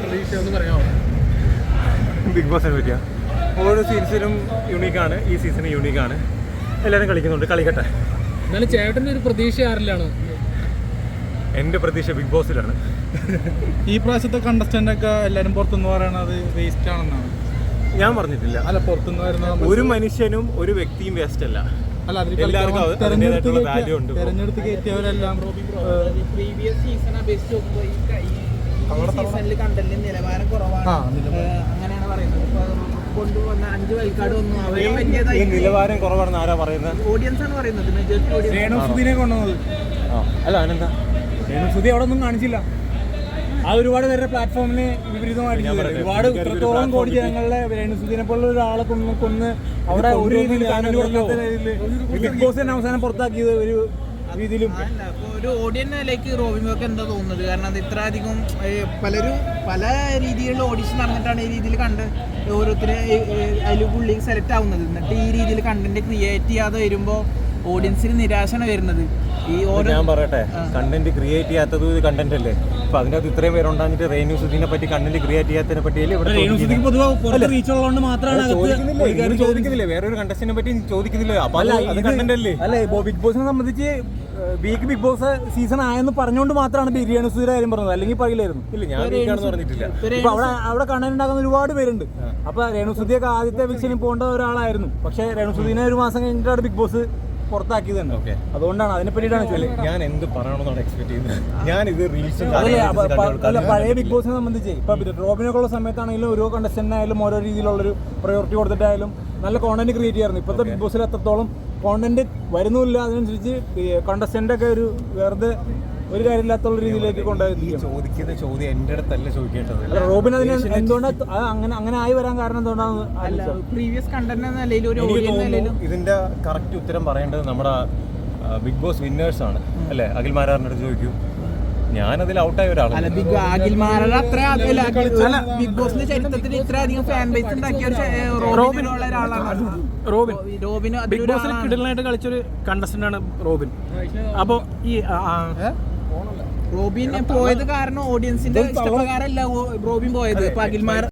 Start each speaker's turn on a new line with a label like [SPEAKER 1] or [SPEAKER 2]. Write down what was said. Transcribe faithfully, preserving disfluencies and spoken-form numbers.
[SPEAKER 1] പ്രതീക്ഷ ഒന്ന് പറയാമോ?
[SPEAKER 2] ബിഗ് ബോസിനെ പറ്റിയാ ഓരോ സീസണും യൂണീക്കാണ്. ഈ സീസൺ യൂണീക്കാണ്. എല്ലാവരും കളിക്കുന്നുണ്ട്, കളിക്കട്ടെ.
[SPEAKER 1] എന്നാലും ചേട്ടൻ്റെ ഒരു പ്രതീക്ഷ ആരിലാണ്?
[SPEAKER 2] എൻ്റെ പ്രതീക്ഷ ബിഗ് ബോസിലാണ്.
[SPEAKER 3] ഈ പ്രാവശ്യത്തെ കണ്ടസ്റ്റന്റ് ഒക്കെ എല്ലാവരും പുറത്തുനിന്ന് പറയണത് വേസ്റ്റ് ആണെന്നാണ്.
[SPEAKER 2] ഞാൻ പറഞ്ഞിട്ടില്ല.
[SPEAKER 3] അല്ല, പുറത്തുനിന്ന് വരുന്ന
[SPEAKER 2] ഒരു മനുഷ്യനും ഒരു വ്യക്തിയും വേസ്റ്റ് അല്ല.
[SPEAKER 3] അല്ല,
[SPEAKER 2] എല്ലാവർക്കും അതിൻ്റെതായിട്ടുള്ള വാല്യൂ ഉണ്ട്.
[SPEAKER 3] തെരഞ്ഞെടുത്ത് കയറ്റിയവരെല്ലാം
[SPEAKER 4] പ്രീവിയസ് സീസൺ അപേക്ഷിച്ച് നോക്കുമ്പോൾ ഈ സീസണിൽ കണ്ടന്റിന് നിലവാരം കുറവാണ്, അങ്ങനെയാണ് പറയുന്നത്. കൊണ്ടുവന്ന അഞ്ച് വൈൽക്കാർഡ് ഒന്നും അവരെ
[SPEAKER 2] ഈ നിലവാരം കുറവാണെന്ന് ആരാ പറയുന്നത്?
[SPEAKER 4] ഓഡിയൻസ് ആണ് പറയുന്നത്. മെജോറിറ്റി ഓഡിയൻസ്
[SPEAKER 3] രേണുസുദിനെ കൊണ്ടുവന്നത്.
[SPEAKER 2] അല്ല, അതിനെന്താ
[SPEAKER 3] രേണുസുദി അവിടെ ഒന്നും കാണിച്ചില്ല. ആ ഒരുപാട് പേരുടെ പ്ലാറ്റ്ഫോമിന് വിപരീതമായിട്ട് ഒരുപാട് ഇത്രത്തോളം കോടി ജനങ്ങളുടെ രേണുസുദിനെ പോലുള്ള ഒരാളെ കൊന്ന് കൊന്ന് അവിടെ ഒരു രീതിയിൽ ബിഗ് ബോസ് തന്നെ അവസാനം പുറത്താക്കിയത് ഒരു രീതിയിലും.
[SPEAKER 4] ഒരു ഓഡിയൻസിലേക്ക് റോബിൻക്ക് എന്താ തോന്നുന്നത്? കാരണം അത് ഇത്ര അധികം പലരും പല രീതിയിലുള്ള ഓഡിഷൻ നടന്നിട്ടാണ് ഈ രീതിയിൽ കണ്ട് ഓരോരുത്തരെ അതിൽ പുള്ളി സെലക്ട് ആവുന്നത്. എന്നിട്ട് ഈ രീതിയിൽ കണ്ടന്റ് ക്രിയേറ്റ് ചെയ്യാതെ വരുമ്പോൾ ഓഡിയൻസിന് നിരാശയാണ് വരുന്നത്. ഈ
[SPEAKER 2] ഞാൻ പറയട്ടെ, കണ്ടന്റ് ക്രിയേറ്റ് ചെയ്യാത്തത് കണ്ടന്റ് അല്ലേ? അപ്പൊ അതിനകത്ത് ഇത്രയും പേരുണ്ടാഞ്ഞിട്ട് രേണുസുദിനെ പറ്റി കണ്ടന്റ് ക്രിയേറ്റ് ചെയ്യാത്തതിനെ പറ്റിയല്ലേ ഇവിടെ ചോദിക്കുന്നില്ലേ? വേറൊരു കണ്ടന്റിനെ പറ്റി ചോദിക്കുന്നില്ല. അപ്പൊ അത് കണ്ടന്റ് അല്ലേ?
[SPEAKER 3] അല്ലെ, ബിഗ് ബോസിനെ സംബന്ധിച്ച് വീക്ക് ബിഗ് ബോസ് സീസൺ ആയെന്ന് പറഞ്ഞുകൊണ്ട് മാത്രമാണ് രേണുസുദിയുടെ കാര്യം പറഞ്ഞത്, അല്ലെങ്കിൽ പറയില്ലായിരുന്നു.
[SPEAKER 2] ഇല്ല, ഞാൻ വീക്കാണെന്ന് പറഞ്ഞിട്ടില്ല.
[SPEAKER 3] ഇപ്പൊ അവിടെ അവിടെ കണ്ടന്റ് ഉണ്ടാക്കുന്ന ഒരുപാട് പേരുണ്ട്. അപ്പൊ രേണുസുദിയൊക്കെ ആദ്യത്തെ വിഷയം പോകേണ്ട ഒരാളായിരുന്നു. പക്ഷെ രേണുസുദിനെ ഒരു മാസം കഴിഞ്ഞിട്ടാണ് ബിഗ് ബോസ് പുറത്താക്കിയത് തന്നെ. ഓക്കെ, അതുകൊണ്ടാണ് അതിനെ പറ്റിയിട്ടാണ്
[SPEAKER 2] ഞാൻ എന്ത് പറയണമെന്നാണ് എക്സ്പെക്ട് ചെയ്യുന്നത്. ഞാൻ ഇത് റീൽസും
[SPEAKER 3] പഴയ ബിഗ് ബോസിനെ സംബന്ധിച്ച് ഇപ്പൊ റോബിനൊക്കെ ഉള്ള സമയത്താണെങ്കിലും ഓരോ കണ്ടസ്റ്റന്റിനായാലും ഓരോ രീതിയിലുള്ളൊരു പ്രയോറിറ്റി കൊടുത്തിട്ടായാലും നല്ല കോണ്ടന്റ് ക്രിയേറ്റ് ചെയ്യാറുണ്ട്. ഇപ്പോഴത്തെ ബിഗ് ബോസിൽ എത്രത്തോളം കോണ്ടന്റ് വരുന്നില്ല, അതിനനുസരിച്ച് കണ്ടസ്റ്റന്റ് ഒക്കെ ഒരു വെറുതെ ഒരു കാര്യമില്ലാത്തുള്ള രീതിയിലേക്ക് കൊണ്ടുപോയി
[SPEAKER 2] ചോദിക്കുന്ന ചോദ്യം എന്റെ അടുത്തല്ല ചോദിക്കേണ്ടത്.
[SPEAKER 3] റോബിൻ അതിന് എന്തുകൊണ്ടാണ് അങ്ങനെ അങ്ങനെ ആയി വരാൻ കാരണം എന്തുകൊണ്ടാണ്?
[SPEAKER 4] പ്രീവിയസ് കണ്ടന്റ് നിലയിൽ ഒരു
[SPEAKER 2] ഇതിന്റെ കറക്റ്റ് ഉത്തരം പറയേണ്ടത് നമ്മുടെ ബിഗ് ബോസ് വിന്നേഴ്സ് ആണ് അല്ലെ? അഖിൽ മാരാറിന്റെ അടുത്ത് ചോദിക്കൂ. ഞാനതിൽ ഔട്ടായ ഒരാളാണ്.
[SPEAKER 4] അഖിൽ മാരാർ അത്ര ബിഗ് ബോസിന്റെ ചരിത്രത്തിൽ ഇത്ര അധികം ഫാൻ ബേസ് ഉണ്ടാക്കിയ റോബിനുള്ള ഒരാളാണ്
[SPEAKER 1] റോബിൻ.
[SPEAKER 4] റോബിന്
[SPEAKER 1] ബിഗ് ബോസിൽ കിടലായിട്ട് കളിച്ചൊരു കണ്ടസ്റ്റന്റ് ആണ് റോബിൻ. അപ്പൊ ഈ
[SPEAKER 4] റോബിൻ പോയത് കാരണം ഓഡിയൻസിന്റെ ഇഷ്ടപ്രകാരമല്ല റോബിൻ പോയത്. ഇപ്പൊ അഖിൽമാർ